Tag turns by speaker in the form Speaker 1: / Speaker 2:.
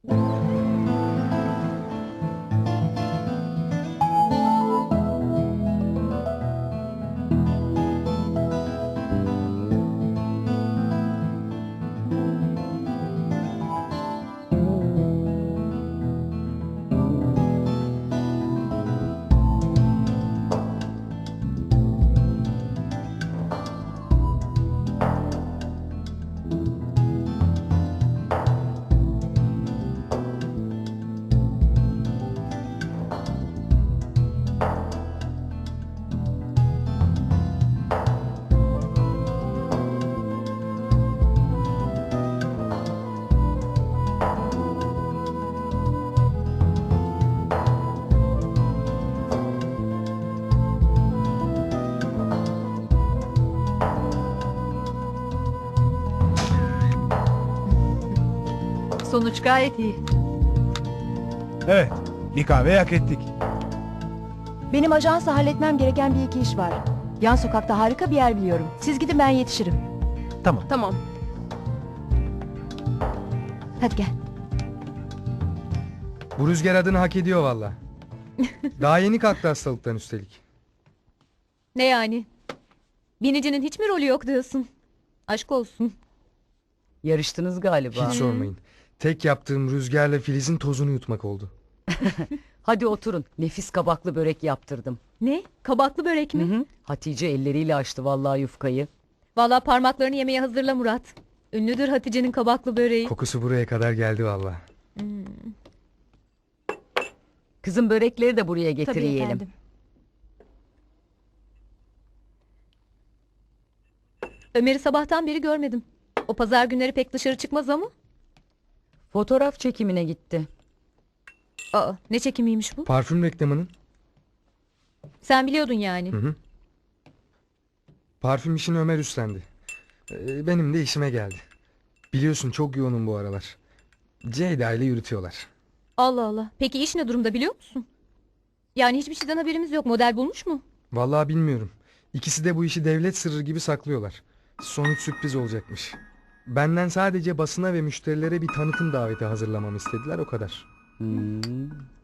Speaker 1: Sonuç gayet iyi.
Speaker 2: Evet, bir kahve hak ettik.
Speaker 3: Benim ajansla halletmem gereken bir iki iş var. Yan sokakta harika bir yer biliyorum. Siz gidin, ben yetişirim.
Speaker 2: Tamam.
Speaker 1: Tamam.
Speaker 3: Hadi gel.
Speaker 4: Bu Rüzgar adını hak ediyor valla. Daha yeni kalktı hastalıktan üstelik.
Speaker 1: Ne yani? Binicinin hiç mi rolü yok diyorsun? Aşk olsun.
Speaker 5: Yarıştınız galiba.
Speaker 4: Hiç sormayın. Tek yaptığım Rüzgar'la Filiz'in tozunu yutmak oldu.
Speaker 5: Hadi oturun. Nefis kabaklı börek yaptırdım.
Speaker 1: Ne? Kabaklı börek mi?
Speaker 5: Hı. Hatice elleriyle açtı vallahi yufkayı.
Speaker 1: Vallahi parmaklarını yemeye hazırla Murat. Ünlüdür Hatice'nin kabaklı böreği.
Speaker 4: Kokusu buraya kadar geldi valla.
Speaker 5: Kızım börekleri de buraya getir
Speaker 3: Tabii
Speaker 5: yiyelim.
Speaker 3: efendim.
Speaker 1: Ömer'i sabahtan beri görmedim. O pazar günleri pek dışarı çıkmaz ama.
Speaker 5: Fotoğraf çekimine gitti.
Speaker 1: Aa, ne çekimiymiş bu?
Speaker 4: Parfüm reklamının.
Speaker 1: Sen biliyordun yani.
Speaker 4: Hı. Parfüm işini Ömer üstlendi. Benim de işime geldi. Biliyorsun çok yoğunum bu aralar. Ceyda ile yürütüyorlar.
Speaker 1: Allah Allah. Peki iş ne durumda biliyor musun? Yani hiçbir şeyden haberimiz yok. Model bulmuş mu?
Speaker 4: Vallahi bilmiyorum. İkisi de bu işi devlet sırrı gibi saklıyorlar. Sonuç sürpriz olacakmış. Benden sadece basına ve müşterilere bir tanıtım daveti hazırlamamı istediler, o kadar.